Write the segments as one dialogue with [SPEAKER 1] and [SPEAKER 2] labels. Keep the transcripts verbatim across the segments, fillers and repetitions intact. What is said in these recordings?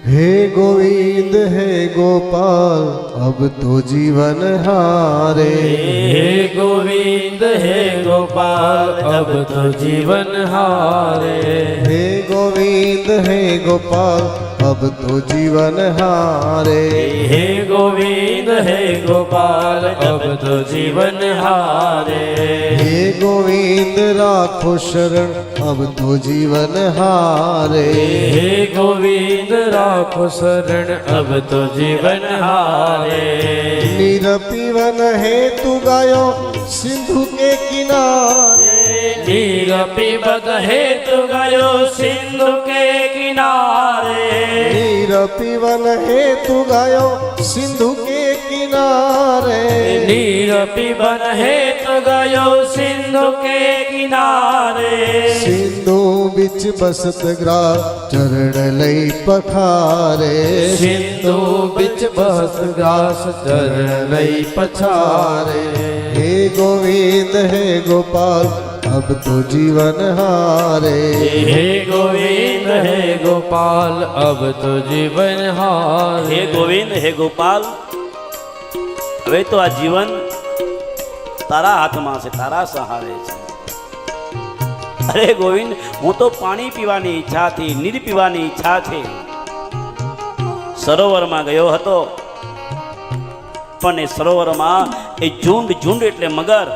[SPEAKER 1] हे गोविंद हे गोपाल अब तो जीवन हारे।
[SPEAKER 2] हे गोविंद हे गोपाल अब तो जीवन हारे।
[SPEAKER 1] हे गोविंद हे गोपाल अब तो जीवन हारे।
[SPEAKER 2] हे गोविंद हे गोपाल अब तो जीवन हारे।
[SPEAKER 1] हे गोविंद राखो शरण अब तो जीवन हारे।
[SPEAKER 2] हे गोविंद राखो शरण अब तो जीवन हारे।
[SPEAKER 1] नीर पीवन हेतु गायो सिंधु के किनारे।
[SPEAKER 2] नीर पीबत हेतु गयो सिंधु के किनारे।
[SPEAKER 1] नीर पीवन हेतु गायो सिंधु के किनारे।
[SPEAKER 2] नीर पीबन हेतु गयो सिंधु के किनारे।
[SPEAKER 1] सिंधु बिच बसत ग्रा चरण लई पखारे।
[SPEAKER 2] सिंधु बिच बस ग्रास चरण लई पछारे।
[SPEAKER 1] हे गोविंद हे गोपाल अब तो जीवन हारे।
[SPEAKER 2] हे गोविंद हे गोपाल अब तो जीवन हारे।
[SPEAKER 3] हे गोविंद हे गोपाल હવે તો આ જીવન તારા હાથમાં છે, તારા સહારે છે। અરે ગોવિંદ, હું તો પાણી પીવાની ઈચ્છાથી, નીર પીવાની ઈચ્છાથી સરોવરમાં ગયો હતો, પણ એ સરોવરમાં એ ઝુંડ ઝુંડ એટલે મગર,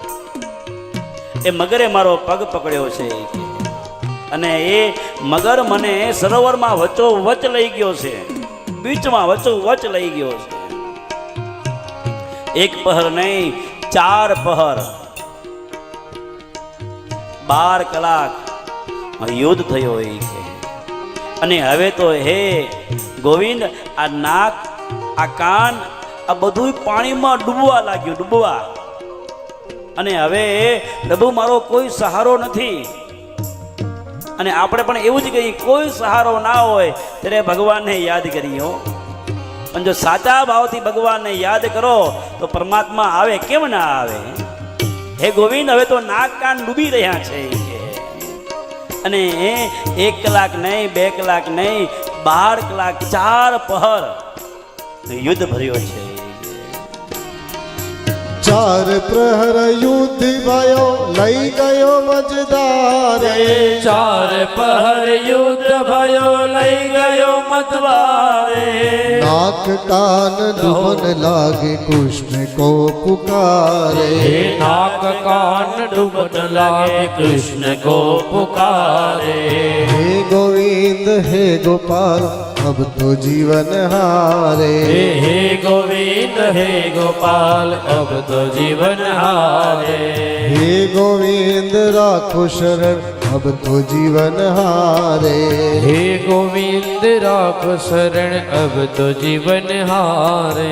[SPEAKER 3] એ મગરે મારો પગ પકડ્યો છે અને એ મગર મને સરોવરમાં વચ્ચો વચ લઈ ગયો છે, બીચમાં વચ્ચો વચ લઈ ગયો છે। એક પહર નહીં, ચાર પહર, બાર કલાક યુદ્ધ થયો એ છે। અને હવે તો હે ગોવિંદ, આ નાક, આ કાન, આ બધું પાણીમાં ડૂબવા લાગ્યું, ડૂબવા। અને હવે પ્રભુ મારો કોઈ સહારો નથી। અને આપણે પણ એવું જ કહીએ, કોઈ સહારો ના હોય ત્યારે ભગવાનને યાદ કરીએ। પણ જો સાચા ભાવથી ભગવાનને યાદ કરો તો પરમાત્મા આવે, કેમ ના આવે। હે ગોવિંદ, હવે તો નાક કાન ડૂબી રહ્યા છે અને એક કલાક નહીં, બે કલાક નહીં, બાર કલાક, ચાર પહર યુદ્ધ ભર્યો છે।
[SPEAKER 1] चार प्रहर युद्ध भयो लई गयो मजदारे।
[SPEAKER 2] चार पहर युद्ध भयो लई गयो मतवारे।
[SPEAKER 1] नाक कान डूबन लागे कृष्ण को पुकारे।
[SPEAKER 2] नाक कान डूबन लागे कृष्ण को पुकारे।
[SPEAKER 1] हे गोविंद हे गोपाल अब तो जीवन हारे।
[SPEAKER 2] हे गोविंद हे गोपाल अब तो जीवन हारे।
[SPEAKER 1] हे गोविंद राखो शरण अब तो जीवन हारे।
[SPEAKER 2] हे गोविंद राखो शरण अब तो जीवन हारे।